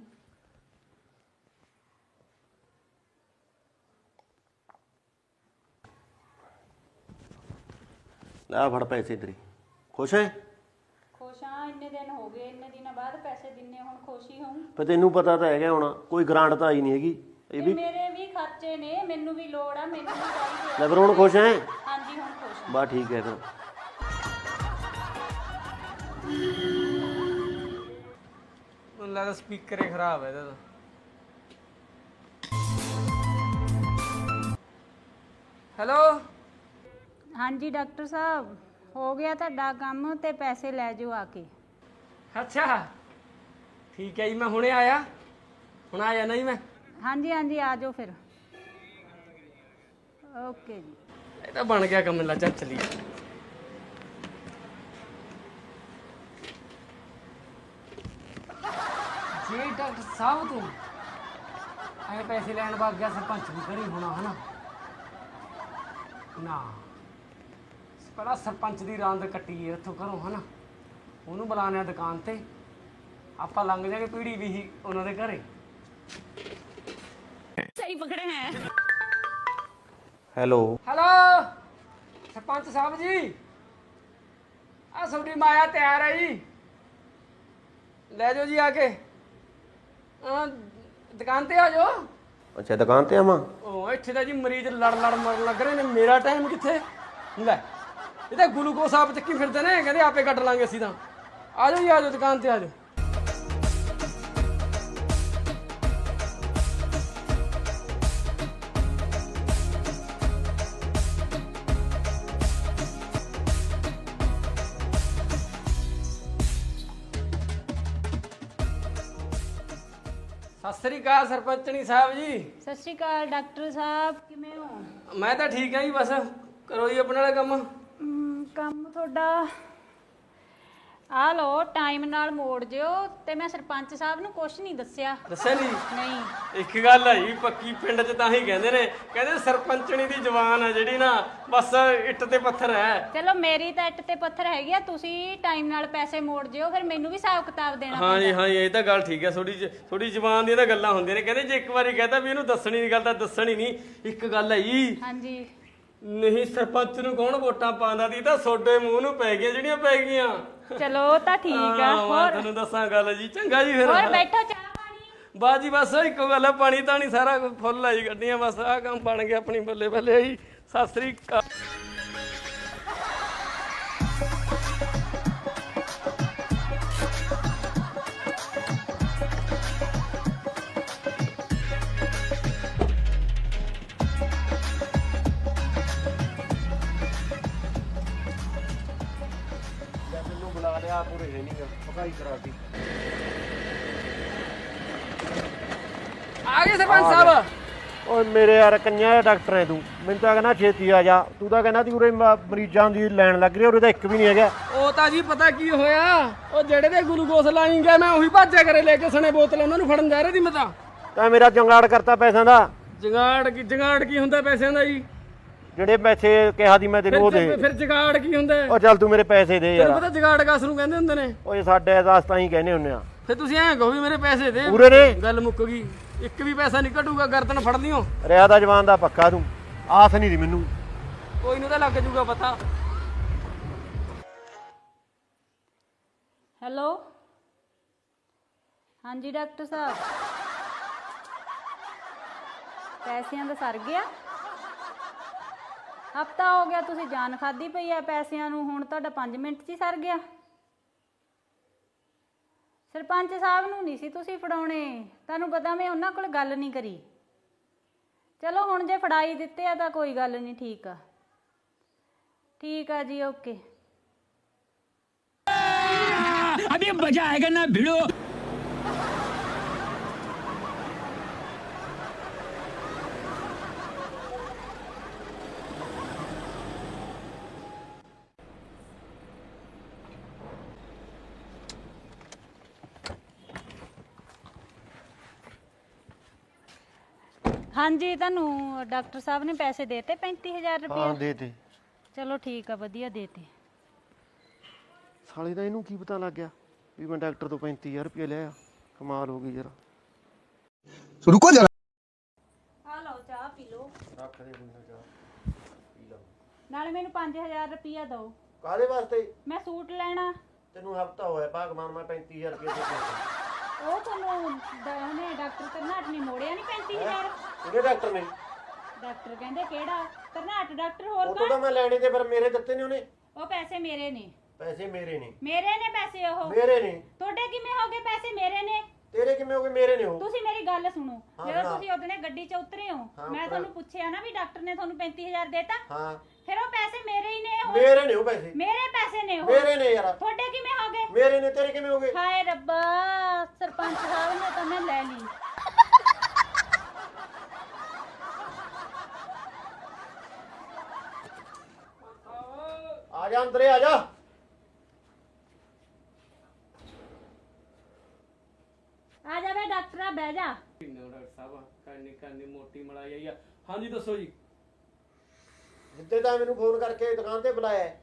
[SPEAKER 2] ਲੈ ਫੜ ਪੈਸੇ ਤੇਰੇ। ਖੁਸ਼ ਹੈ?
[SPEAKER 4] ਖੁਸ਼ ਹਾਂ, ਇੰਨੇ ਦਿਨ ਹੋ ਗਏ, ਇੰਨੇ ਦਿਨਾਂ ਬਾਅਦ ਪੈਸੇ ਦਿੰਨੇ, ਹੁਣ ਖੁਸ਼ੀ ਹੋਊ।
[SPEAKER 2] ਪਰ ਤੈਨੂੰ ਪਤਾ ਤਾਂ ਹੈਗਾ ਹੁਣ, ਕੋਈ ਗ੍ਰਾਂਟ ਤਾਂ ਆਈ ਨਹੀਂ ਹੈਗੀ। ਇਹ ਵੀ
[SPEAKER 4] ਮੇਰੇ ਵੀ ਖਰਚੇ ਨੇ, ਮੈਨੂੰ ਵੀ ਲੋੜ ਆ, ਮੈਨੂੰ ਵੀ ਚਾਹੀਦੇ ਆ।
[SPEAKER 2] ਲੈ ਫਿਰ ਹੁਣ ਖੁਸ਼ ਹੈ?
[SPEAKER 4] ਹਾਂਜੀ ਹੁਣ ਖੁਸ਼ ਹਾਂ।
[SPEAKER 2] ਬਸ ਠੀਕ ਹੈ ਫਿਰ।
[SPEAKER 1] ਮੈਨੂੰ ਲੱਗਦਾ ਸਪੀਕਰ ਹੀ ਖਰਾਬ ਹੈ ਇਹਦਾ ਤਾਂ। ਹੈਲੋ
[SPEAKER 4] ਹਾਂਜੀ ਡਾਕਟਰ ਸਾਹਿਬ, ਹੋ ਗਿਆ ਤੁਹਾਡਾ ਕੰਮ ਤੇ ਪੈਸੇ ਲੈ ਜਾਓ ਆ ਕੇ।
[SPEAKER 1] ਅੱਛਾ ਠੀਕ ਹੈ ਜੀ, ਮੈਂ ਹੁਣੇ ਆਇਆ, ਹੁਣ ਆ ਜਾਣਾ ਜੀ ਮੈਂ।
[SPEAKER 4] ਹਾਂਜੀ ਹਾਂਜੀ ਆ ਜਾਓ ਫਿਰ। ਓਕੇ ਜੀ।
[SPEAKER 1] ਇਹ ਤਾਂ ਬਣ ਗਿਆ ਕੰਮ, ਲਾ ਚੱਲ ਚੱਲੀਏ। ਜੀ ਡਾਕਟਰ ਸਾਹਿਬ, ਤੂੰ ਐ ਪੈਸੇ ਲੈਣ ਵਗ ਗਿਆ, ਸਰਪੰਚ ਵੀ ਘਰੇ ਹੋਣਾ ਹਨਾ? ਨਾ ਪਹਿਲਾਂ ਸਰਪੰਚ ਦੀ ਰਾਂਦ ਕੱਟੀਏ ਉੱਥੋਂ ਘਰੋਂ ਹਨਾ, ਉਹਨੂੰ ਬੁਲਾਉਂਦੇ ਆ ਦੁਕਾਨ ਤੇ, ਆਪਾਂ ਲੰਘ ਜਾਗੇ ਪੀੜੀ ਵੀ ਹੀ ਉਹਨਾਂ ਦੇ ਘਰੇ।
[SPEAKER 4] ਸਹੀ ਪਕੜੇ ਹੈ।
[SPEAKER 2] ਹੈਲੋ
[SPEAKER 1] ਹੈਲੋ ਸਰਪੰਚ ਸਾਹਿਬ ਜੀ, ਆ ਤੁਹਾਡੀ ਮਾਇਆ ਤਿਆਰ ਹੈ ਜੀ, ਲੈ ਜਾਓ ਜੀ ਆ ਕੇ। ਦੁਕਾਨ ਤੇ ਆ ਜਾਓ।
[SPEAKER 2] ਅੱਛਾ ਦੁਕਾਨ ਤੇ ਆਵਾਂ?
[SPEAKER 1] ਉਹ ਇੱਥੇ ਤਾਂ ਜੀ ਮਰੀਜ਼ ਲੜ ਲੜ ਮਰਨ ਲੱਗ ਰਹੇ ਨੇ, ਮੇਰਾ ਟਾਈਮ ਕਿੱਥੇ। ਲੈ ਇਹ ਤਾਂ ਗਲੂਕੋਸ ਆਪ ਚੱਕੀ ਫਿਰਦੇ ਨੇ, ਕਹਿੰਦੇ ਆਪੇ ਕੱਢ ਲਾਂਗੇ ਅਸੀਂ ਤਾਂ। ਆ ਜਾਓ ਜੀ, ਆ ਜਾਓ ਦੁਕਾਨ ਤੇ ਆ ਜਾਓ। ਸਤਿ ਸ੍ਰੀ ਅਕਾਲ ਸਰਪੰਚਣੀ ਸਾਹਿਬ ਜੀ।
[SPEAKER 4] ਸਤਿ ਸ਼੍ਰੀ ਅਕਾਲ ਡਾਕਟਰ ਸਾਹਿਬ, ਕਿਵੇਂ ਹੋ?
[SPEAKER 1] ਮੈਂ ਤਾਂ ਠੀਕ ਹਾਂ ਜੀ, ਬਸ ਕਰੋ ਜੀ ਆਪਣੇ ਵਾਲਾ ਕੰਮ।
[SPEAKER 4] ਕੰਮ ਤੁਹਾਡਾ ਆ ਲੋ, ਟਾਈਮ ਨਾਲ ਮੋੜ ਜਿਓ। ਤੇ ਮੈਂ ਸਰਪੰਚ ਸਾਹਿਬ ਨੂੰ ਕੁਝ ਨਹੀਂ ਦੱਸਿਆ।
[SPEAKER 1] ਦੱਸਿਆ ਨਹੀਂ?
[SPEAKER 4] ਨਹੀਂ।
[SPEAKER 1] ਇੱਕ ਗੱਲ ਹੈ ਜੀ ਪੱਕੀ, ਪਿੰਡ 'ਚ ਤਾਂ ਹੀ ਕਹਿੰਦੇ ਨੇ, ਕਹਿੰਦੇ ਸਰਪੰਚਣੀ ਦੀ ਜ਼ਬਾਨ ਹੈ ਜਿਹੜੀ ਨਾ, ਬਸ ਇੱਟ ਤੇ ਪੱਥਰ ਹੈ।
[SPEAKER 4] ਚਲੋ ਮੇਰੀ ਤਾਂ ਇੱਟ ਤੇ ਪੱਥਰ ਹੈਗੀ ਆ, ਤੁਸੀਂ ਟਾਈਮ ਨਾਲ ਪੈਸੇ ਮੋੜ ਜਿਓ, ਫਿਰ ਮੈਨੂੰ ਵੀ ਹਿਸਾਬ ਕਿਤਾਬ ਦੇਣਾ
[SPEAKER 1] ਹਾਂ ਜੀ ਹਾਂ ਜੀ, ਇਹ ਤਾਂ ਗੱਲ ਠੀਕ ਹੈ। ਥੋੜੀ ਜ਼ਬਾਨ ਦੀਆਂ ਤਾਂ ਗੱਲਾਂ ਹੁੰਦੀਆਂ ਨੇ। ਕਹਿੰਦੇ ਜੇ ਇੱਕ ਵਾਰੀ ਕਹਤਾ ਵੀ ਇਹਨੂੰ ਦੱਸਣੀ ਦੀ ਗੱਲ ਤਾਂ ਦੱਸਣੀ ਨਹੀਂ। ਇੱਕ ਗੱਲ ਹੈ ਜੀ,
[SPEAKER 4] ਹਾਂਜੀ,
[SPEAKER 1] ਨਹੀਂ ਸਰਪੰਚ ਨੂੰ ਕੌਣ ਵੋਟਾਂ ਪਾਉਂਦਾ ਦੀ, ਤਾਂ ਸੋਡੇ ਮੂੰਹ ਨੂੰ ਪੈ ਗਈਆਂ ਜਿਹੜੀਆਂ ਪੈ ਗਈਆਂ।
[SPEAKER 4] ਚਲੋ ਤਾਂ ਠੀਕ ਆ।
[SPEAKER 1] ਮੈਂ
[SPEAKER 4] ਹੋਰ
[SPEAKER 1] ਤੁਹਾਨੂੰ ਦੱਸਾਂ ਗੱਲ ਜੀ, ਚੰਗਾ ਜੀ ਫਿਰ।
[SPEAKER 4] ਹੋਰ ਬੈਠੋ, ਚਾਹ ਪਾਣੀ।
[SPEAKER 1] ਬਸ ਜੀ ਬਸ ਇੱਕੋ ਗੱਲ ਹੈ, ਪਾਣੀ ਤਾਂ ਨਹੀਂ, ਸਾਰਾ ਕੁਝ ਫੁੱਲ ਆਈ ਗੱਡੀਆਂ, ਬਸ ਆਹ ਕੰਮ ਬਣ ਗਿਆ ਆਪਣੀ ਬੱਲੇ ਬੱਲੇ ਜੀ। ਸਤਿ ਸ੍ਰੀ ਅਕਾਲ।
[SPEAKER 2] ਮੈਨੂੰ ਬੁਲਾ ਲਿਆ, ਪੂਰੇ ਹੈ ਨਹੀਂ ਪਕਾਈ ਕਰਾਤੀ।
[SPEAKER 1] ਆ ਗਏ ਸਰਪੰਚ ਸਾਹਿਬ।
[SPEAKER 2] ਓਏ ਮੇਰੇ ਯਾਰ ਕੰਨਿਆ ਦਾ ਡਾਕਟਰ ਹੈ ਤੂੰ, ਮੈਨੂੰ ਤਾਂ ਕਹਿੰਦਾ ਛੇਤੀ ਆ ਜਾ। ਤੂੰ ਤਾਂ ਕਹਿੰਦਾ ਤੀ ਉਰੇ ਮਰੀਜ਼ਾਂ ਦੀ ਲਾਈਨ ਲੱਗ ਰਹੀ, ਉਰੇ ਤਾਂ ਇੱਕ ਵੀ ਨਹੀਂ ਹੈਗਾ।
[SPEAKER 1] ਉਹ ਤਾਂ ਜੀ ਪਤਾ ਕੀ ਹੋਇਆ, ਉਹ ਜਿਹੜੇ ਦੇ ਗਲੂਕੋਸ ਲਾਈ ਗਿਆ, ਮੈਂ ਉਹੀ ਭਾਜਿਆ ਕਰੇ ਲੈ ਕੇ ਸਣੇ ਬੋਤਲ, ਉਹਨਾਂ ਨੂੰ ਫੜਨ ਜਾ ਰਹੀ ਸੀ ਮੈਂ ਤਾਂ
[SPEAKER 2] ਮੇਰਾ ਜੰਗਾੜ ਕਰਤਾ ਪੈਸਿਆਂ ਦਾ।
[SPEAKER 1] ਜਗਾੜ ਕੀ ਹੁੰਦਾ ਪੈਸਿਆਂ ਦਾ ਜੀ?
[SPEAKER 2] ਜਿਹੜੇ ਪੈਸੇ ਕਿਹਾ ਦੀ ਮੈਂ ਤੈਨੂੰ ਉਹ ਦੇ।
[SPEAKER 1] ਫਿਰ ਜਗਾੜ ਕੀ ਹੁੰਦਾ?
[SPEAKER 2] ਉਹ ਚੱਲ ਤੂੰ ਮੇਰੇ ਪੈਸੇ ਦੇ
[SPEAKER 1] ਤੈਨੂੰ
[SPEAKER 2] ਯਾਰ।
[SPEAKER 1] ਪਤਾ ਜਗਾੜ ਕਾਸ ਨੂੰ ਕਹਿੰਦੇ ਹੁੰਦੇ ਨੇ?
[SPEAKER 2] ਓਏ ਸਾਡੇ ਅਸਾਸ ਤਾਂ ਹੀ ਕਹਿੰਦੇ ਹੁੰਨੇ ਆ।
[SPEAKER 1] ਫਿਰ ਤੁਸੀਂ ਐਂ ਕਹੋ ਵੀ ਮੇਰੇ ਪੈਸੇ ਦੇ।
[SPEAKER 2] ਪੂਰੇ ਨੇ?
[SPEAKER 1] ਗੱਲ ਮੁੱਕ ਗਈ, ਇੱਕ ਵੀ ਪੈਸਾ ਨਹੀਂ ਘਟੂਗਾ, ਗਰਦਨ ਫੜ ਲਿਓ।
[SPEAKER 2] ਰਿਆ ਦਾ ਜਵਾਨ ਦਾ ਪੱਕਾ ਤੂੰ, ਆਸ ਨਹੀਂ ਦੀ ਮੈਨੂੰ।
[SPEAKER 1] ਕੋਈ ਨੂੰ ਤਾਂ ਲੱਗ ਜੂਗਾ ਪਤਾ।
[SPEAKER 4] ਹੈਲੋ, ਹਾਂਜੀ ਡਾਕਟਰ ਸਾਹਿਬ, ਪੈਸਿਆਂ ਦਾ ਸਰ ਗਿਆ? ਹਫਤਾ ਹੋ ਗਿਆ ਤੁਸੀਂ ਜਾਨ ਖਾਦੀ ਪਈ ਆ ਪੈਸਿਆਂ ਨੂੰ, ਹੁਣ ਤੁਹਾਡਾ 5 ਮਿੰਟ 'ਚ ਹੀ ਸਰ ਗਿਆ। ਸਰਪੰਚ ਸਾਹਿਬ ਨੂੰ ਨਹੀਂ ਸੀ ਤੁਸੀਂ ਫੜਾਉਣੇ, ਤੁਹਾਨੂੰ ਪਤਾ ਮੈਂ ਉਹਨਾਂ ਕੋਲ ਗੱਲ ਨਹੀਂ ਕਰੀ। ਚਲੋ ਹੁਣ ਜੇ ਫੜਾਈ ਦਿੱਤੇ ਆ ਤਾਂ ਕੋਈ ਗੱਲ ਨਹੀਂ, ਠੀਕ ਆ, ਠੀਕ ਆ ਜੀ, ਓਕੇ।
[SPEAKER 6] अभी मजा आएगा ना भिड़ो।
[SPEAKER 4] ਹਾਂਜੀ, ਤੁਹਾਨੂੰ ਡਾਕਟਰ ਸਾਹਿਬ ਨੇ ਪੈਸੇ ਦੇਤੇ 35,000
[SPEAKER 2] ਹਾਂ
[SPEAKER 4] ਰੁਪਏ?
[SPEAKER 2] ਦੇ ਤੇ।
[SPEAKER 4] ਚਲੋ ਠੀਕ ਆ, ਵਧੀਆ ਦੇਤੇ।
[SPEAKER 2] ਸਾਲੇ ਦਾ ਇਹਨੂੰ ਕੀ ਪਤਾ ਲੱਗ ਗਿਆ ਵੀ ਮੈਂ ਡਾਕਟਰ ਤੋਂ 35,000 ਰੁਪਏ ਲਿਆ? ਕਮਾਲ ਹੋ ਗਈ ਯਾਰ।
[SPEAKER 7] रुको जरा।
[SPEAKER 4] ਆ ਲਓ ਚਾਹ ਪੀ ਲਓ,
[SPEAKER 2] ਰੱਖ ਦੇ ਬੰਦਾ ਜਾ ਪੀ ਲਾ।
[SPEAKER 4] ਨਾਲੇ ਮੈਨੂੰ 5,000 ਰੁਪਇਆ ਦਿਓ,
[SPEAKER 2] ਕਾਹਦੇ ਵਾਸਤੇ?
[SPEAKER 4] ਮੈਂ ਸੂਟ ਲੈਣਾ।
[SPEAKER 2] ਤੈਨੂੰ ਹਫਤਾ ਹੋਇਆ ਭਾਗਵਾਨ, ਮੈਂ 35,000 ਰੁਪਏ ਦੇ
[SPEAKER 4] ਉਹ ਤੁਹਾਨੂੰ ਉਹਨੇ ਡਾਕਟਰ ਕਰਨਾਟ ਨੇ ਮੋੜਿਆ ਨਹੀਂ 35,000?
[SPEAKER 2] ਕਿਹੜੇ ਡਾਕਟਰ ਨੇ?
[SPEAKER 4] ਡਾਕਟਰ ਕਹਿੰਦੇ ਕਿਹੜਾ ਕਰਨਾਟ ਡਾਕਟਰ, ਹੋਰ
[SPEAKER 2] ਉਹ ਤੋਂ ਤਾਂ
[SPEAKER 4] ਕੌਣ?
[SPEAKER 2] ਮੈਂ ਲੈਣੇ ਤੇ, ਪਰ ਮੇਰੇ ਦਿੱਤੇ ਨੇ ਉਹਨੇ।
[SPEAKER 4] ਉਹ ਪੈਸੇ ਮੇਰੇ ਨੇ,
[SPEAKER 2] ਪੈਸੇ ਮੇਰੇ ਨੇ।
[SPEAKER 4] ਮੇਰੇ ਨੇ ਪੈਸੇ। ਉਹ
[SPEAKER 2] ਮੇਰੇ ਨੇ?
[SPEAKER 4] ਤੁਹਾਡੇ ਕਿਵੇਂ ਹੋ ਗਏ ਪੈਸੇ? ਮੇਰੇ ਨੇ।
[SPEAKER 2] ਤੇਰੇ ਕਿਵੇਂ ਹੋ ਗਏ? ਮੇਰੇ ਨੇ ਉਹ।
[SPEAKER 4] ਤੁਸੀਂ ਮੇਰੀ ਗੱਲ ਸੁਣੋ,
[SPEAKER 2] ਹਾਂ,
[SPEAKER 4] ਜਦੋਂ
[SPEAKER 2] ਹਾਂ।
[SPEAKER 4] ਤੁਸੀਂ ਉਹਦੇ ਗੱਡੀ 'ਚ ਉਤਰੇ ਹੋ,
[SPEAKER 2] ਹਾਂ,
[SPEAKER 4] ਮੈਂ
[SPEAKER 2] ਉੱਤਰਿਆ।
[SPEAKER 4] ਤੁਹਾਨੂੰ ਪੁੱਛਿਆ ਨਾ ਵੀ ਡਾਕਟਰ ਨੇ ਤੁਹਾਨੂੰ 35,000 ਦੇਤਾ,
[SPEAKER 2] ਹਾਂ
[SPEAKER 4] ਫਿਰ ਉਹ ਪੈਸੇ ਮੇਰੇ ਹੀ ਨੇ। ਉਹ
[SPEAKER 2] ਮੇਰੇ ਨੇ ਉਹ ਪੈਸੇ।
[SPEAKER 4] ਮੇਰੇ ਪੈਸੇ ਨੇ ਉਹ।
[SPEAKER 2] ਮੇਰੇ ਨੇ ਯਾਰ।
[SPEAKER 4] ਤੁਹਾਡੇ ਕਿਵੇਂ ਹੋ ਗਏ?
[SPEAKER 2] ਮੇਰੇ ਨੇ, ਤੇਰੇ ਕਿਵੇਂ ਹੋ ਗਏ?
[SPEAKER 4] ਹਾਏ ਰੱਬਾ, ਸਰਪੰਚ ਸਾਹਿਬ ਨੇ ਤਾਂ ਮੈਂ ਲੈ ਲਈ।
[SPEAKER 2] ਆ ਜਾ ਅੰਦਰੇ ਆ ਜਾ।
[SPEAKER 4] ਆ ਜਾ ਵੇ ਡਾਕਟਰਾ, ਬਹਿ ਜਾ।
[SPEAKER 1] ਡਾਕਟਰ ਸਾਹਿਬ ਕਰਨੀ ਮੋਟੀ ਮਲਾਈ ਆਈ ਆ। ਹਾਂਜੀ ਦੱਸੋ ਜੀ।
[SPEAKER 2] ਜਿੱਦੇ ਤਾਂ ਮੈਨੂੰ ਫੋਨ ਕਰਕੇ ਦੁਕਾਨ ਤੇ ਬੁਲਾਇਆ ਹੈ,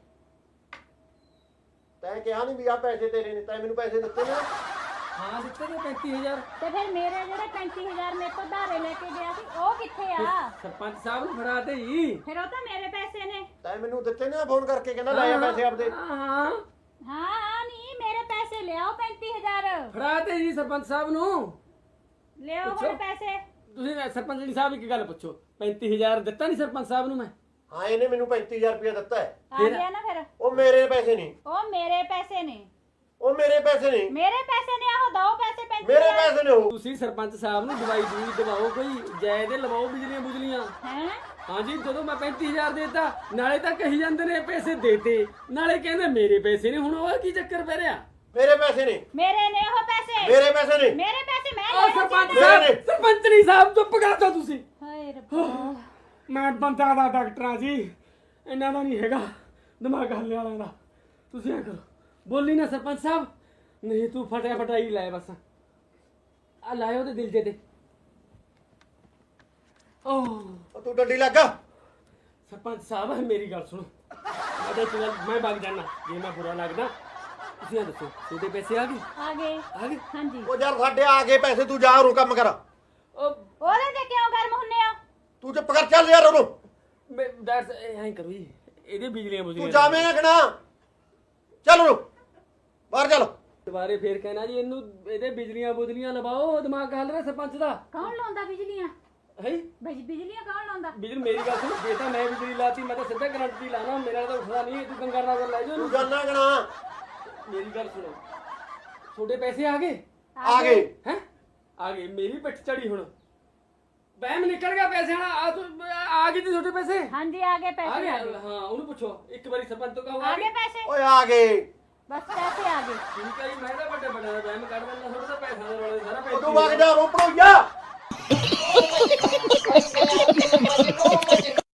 [SPEAKER 2] ਤੈਂ ਕਿਹਾ ਨਹੀਂ ਵੀ ਆ ਪੈਸੇ ਤੇਰੇ ਨੇ, ਤੈਂ ਮੈਨੂੰ ਪੈਸੇ ਦਿੱਤੇ ਨੇ?
[SPEAKER 1] ਹਾਂ ਦਿੱਤੇ ਨੇ 35,000।
[SPEAKER 4] ਤੇ ਫਿਰ ਮੇਰੇ ਜਿਹੜੇ 35,000 ਮੇਰੇ ਕੋਲ ਧਾਰੇ ਲੈ ਕੇ ਗਿਆ ਸੀ, ਉਹ ਕਿੱਥੇ ਆ?
[SPEAKER 1] ਸਰਪੰਚ ਸਾਹਿਬ ਨੂੰ ਫੜਾ ਤੇ ਜੀ।
[SPEAKER 4] ਫਿਰ ਉਹ ਤਾਂ ਮੇਰੇ ਪੈਸੇ ਨੇ।
[SPEAKER 2] ਤੈਂ ਮੈਨੂੰ ਦਿੱਤੇ ਨੇ ਫੋਨ ਕਰਕੇ, ਕਹਿੰਦਾ ਲੈ ਆ ਪੈਸੇ ਆਪਦੇ।
[SPEAKER 1] ਹਾਂ
[SPEAKER 4] ਹਾਂ, ਨਹੀਂ ਮੇਰੇ ਪੈਸੇ ਲਿਆਓ 35,000।
[SPEAKER 1] ਫੜਾ ਤੇ ਜੀ ਸਰਪੰਚ ਸਾਹਿਬ ਨੂੰ।
[SPEAKER 4] ਲਿਆਓ ਹੁਣ ਪੈਸੇ।
[SPEAKER 1] ਤੁਸੀਂ ਸਰਪੰਚ ਜੀ ਸਾਹਿਬ ਇੱਕ ਗੱਲ ਪੁੱਛੋ, 35,000 ਦਿੱਤਾ ਨਹੀਂ ਸਰਪੰਚ ਸਾਹਿਬ ਨੂੰ ਮੈਂ?
[SPEAKER 2] ਹਾਂ ਇਹਨੇ ਮੈਨੂੰ 35000 ਰੁਪਇਆ ਦਿੱਤਾ ਹੈ।
[SPEAKER 4] ਆ ਗਿਆ ਨਾ ਫਿਰ
[SPEAKER 2] ਉਹ ਮੇਰੇ ਪੈਸੇ ਨਹੀਂ,
[SPEAKER 4] ਉਹ ਮੇਰੇ ਪੈਸੇ ਨੇ
[SPEAKER 2] ਉਹ ਮੇਰੇ ਪੈਸੇ ਨਹੀਂ,
[SPEAKER 4] ਮੇਰੇ ਪੈਸੇ ਨੇ ਆਹੋ ਦੋ ਪੈਸੇ 35
[SPEAKER 2] ਮੇਰੇ ਪੈਸੇ ਨੇ ਉਹ।
[SPEAKER 1] ਤੁਸੀਂ ਸਰਪੰਚ ਸਾਹਿਬ ਨੂੰ ਦਵਾਈ ਦੂਈ ਦਵਾਓ, ਕੋਈ ਜਾਇਜ਼ ਲਵਾਓ ਬਿਜਲੀਆਂ ਬੁਜਲੀਆਂ।
[SPEAKER 4] ਹੈ
[SPEAKER 1] ਹਾਂਜੀ ਜਦੋਂ ਮੈਂ 35000 ਦੇਤਾ ਨਾਲੇ ਤਾਂ ਕਹੀ ਜਾਂਦੇ ਨੇ ਪੈਸੇ ਦੇਤੇ ਨਾਲੇ ਕਹਿੰਦੇ ਮੇਰੇ ਪੈਸੇ ਨੇ। ਹੁਣ ਉਹ ਕੀ ਚੱਕਰ ਪੈ ਰਿਹਾ?
[SPEAKER 2] ਮੇਰੇ ਪੈਸੇ ਨਹੀਂ,
[SPEAKER 4] ਮੇਰੇ ਨੇ ਉਹ ਪੈਸੇ
[SPEAKER 2] ਮੇਰੇ ਪੈਸੇ ਨਹੀਂ।
[SPEAKER 4] ਮੇਰੇ ਪੈਸੇ ਮੈਂ
[SPEAKER 1] ਆ
[SPEAKER 4] ਲੈਣੇ
[SPEAKER 1] ਸਰਪੰਚ
[SPEAKER 4] ਚਾਹੀਦੇ।
[SPEAKER 1] ਸਾਹਿਬ, ਸਰਪੰਚਨੀ ਸਾਹਿਬ ਚੁੱਪ ਕਰ ਜਾਓ ਤੁਸੀਂ।
[SPEAKER 4] ਹਾਏ ਰੱਬਾ
[SPEAKER 1] ਮੈਂ ਬੰਦਾ ਦਾ ਡਾਕਟਰਾਂ ਜੀ, ਇਹਨਾਂ ਦਾ ਨਹੀਂ ਹੈਗਾ ਦਿਮਾਗ ਹੱਲੇ ਵਾਲਿਆਂ ਦਾ। ਤੁਸੀਂ ਐ ਕਰੋ, ਬੋਲੀ ਨਾ ਸਰਪੰਚ ਸਾਹਿਬ, ਨਹੀਂ ਤੂੰ ਫਟਿਆ ਫਟਾਈ ਲੈ ਬਸ ਆ ਲਾਇਓ ਉਹਦੇ ਦਿਲ ਤੇ
[SPEAKER 2] ਉਹ ਤੂੰ ਡੰਡੀ ਲੱਗਾ।
[SPEAKER 1] ਸਰਪੰਚ ਸਾਹਿਬ ਮੇਰੀ ਗੱਲ ਸੁਣੋ, ਮੈਂ ਤਾਂ ਇੱਕ ਗੱਲ ਮੈਂ ਵਗ ਜਾਣਾ, ਜੇ ਮੈਂ ਬੁਰਾ ਲੱਗਦਾ ਤੁਸੀਂ ਇਹ ਦੱਸੋ ਤੁਹਾਡੇ ਪੈਸੇ ਆ ਗਏ?
[SPEAKER 4] ਆ ਗਏ
[SPEAKER 1] ਆ ਗਏ?
[SPEAKER 4] ਹਾਂਜੀ
[SPEAKER 2] ਉਹ ਯਾਰ ਸਾਡੇ ਆ ਗਏ ਪੈਸੇ, ਤੂੰ ਜਾ ਉਹਨੂੰ ਕੰਮ ਕਰ।
[SPEAKER 1] ਉਹ
[SPEAKER 4] ਉਹਦੇ ਤੇ ਕਿਉਂ ਗਰਮ ਹੁੰਨੇ ਆ?
[SPEAKER 2] ਤੂੰ ਚੁੱਪ ਕਰ, ਚੱਲ ਯਾਰ ਉਹਨੂੰ।
[SPEAKER 1] ਮੈਂ ਦਰਸ ਐਂ ਕਰੋ ਜੀ, ਇਹਦੇ ਬਿਜਲੀਆਂ
[SPEAKER 2] ਤੂੰ
[SPEAKER 1] ਬੁਜਲੀਆਂ
[SPEAKER 2] ਜਾਵੇਂ ਆਖਣਾ, ਚੱਲ ਉਹਨੂੰ ਬਾਹਰ ਚੱਲ।
[SPEAKER 1] ਦੁਬਾਰੇ ਫੇਰ ਕਹਿਣਾ ਜੀ ਇਹਨੂੰ ਇਹਦੇ ਬਿਜਲੀਆਂ ਬੁਜਲੀਆਂ ਲਵਾਓ, ਦਿਮਾਗ ਹੱਲ ਰਿਹਾ ਸਰਪੰਚ ਦਾ
[SPEAKER 4] ਕੌਣ ਲਾਉਂਦਾ ਬਿਜਲੀਆਂ?
[SPEAKER 1] ਹੈ।
[SPEAKER 4] ਬਿਜਲੀਆਂ ਕੌਣ ਲਾਉਂਦਾ?
[SPEAKER 1] ਬਿਜਲੀ ਮੇਰੀ ਗੱਲ ਸੁਣ, ਜੇ ਤਾਂ ਮੈਂ ਬਿਜਲੀ ਲਾਤੀ ਮੈਂ ਤਾਂ ਸਿੱਧਾ ਕਰੰਟ ਦੀ ਲਾਣਾ, ਮੇਰਾ ਤਾਂ ਉੱਠਦਾ ਨਹੀਂ। ਤੂੰ ਗੰਗਾ ਨਗਰ ਲੈ ਜਾ
[SPEAKER 2] ਤੂੰ
[SPEAKER 1] ਉਹਨੂੰ।
[SPEAKER 2] ਜਾਣਾ ਕਣਾ।
[SPEAKER 1] ਮੇਰੀ ਗੱਲ ਸੁਣੋ, ਤੁਹਾਡੇ ਪੈਸੇ ਆ ਗਏ?
[SPEAKER 2] ਆ ਗਏ।
[SPEAKER 1] ਹੈ ਆ ਗਏ, ਮੇਰੀ ਪਿੱਠ ਚੜੀ ਹੁਣ, ਵਹਿਮ ਨਿਕਲ ਗਿਆ ਪੈਸੇ ਵਾਲਾ। ਆ ਗਏ ਜੀ ਤੁਹਾਡੇ ਪੈਸੇ?
[SPEAKER 4] ਹਾਂਜੀ ਆ ਗਏ
[SPEAKER 1] ਆ
[SPEAKER 4] ਪੈਸੇ
[SPEAKER 1] ਗਏ?
[SPEAKER 4] ਆ ਗਏ
[SPEAKER 1] ਹਾਂ ਉਹਨੂੰ ਪੁੱਛੋ ਇੱਕ ਵਾਰੀ ਸਰਪੰਚ ਤੋਂ ਕਹੋ
[SPEAKER 4] ਆ ਗਏ ਪੈਸੇ
[SPEAKER 2] ਓਏ ਆ ਗਏ।
[SPEAKER 4] ਬਸ ਪੈਸੇ ਆ ਗਏ।
[SPEAKER 1] ਠੀਕ ਹੈ ਜੀ, ਮੈਂ ਤਾਂ ਵੱਡੇ ਵੱਡੇ ਦਾ ਵਹਿਮ ਕੱਢ ਦਿੰਦਾ, ਤੁਹਾਡੇ ਤਾਂ ਪੈਸਿਆਂ ਦੇ ਰੌਲੇ ਸਾਰਾ
[SPEAKER 2] ਉਹ ਤੂੰ
[SPEAKER 1] ਪੈਸੇ
[SPEAKER 2] ਵਗ ਜਾ, ਰੋਪੜੋ ਜਾ।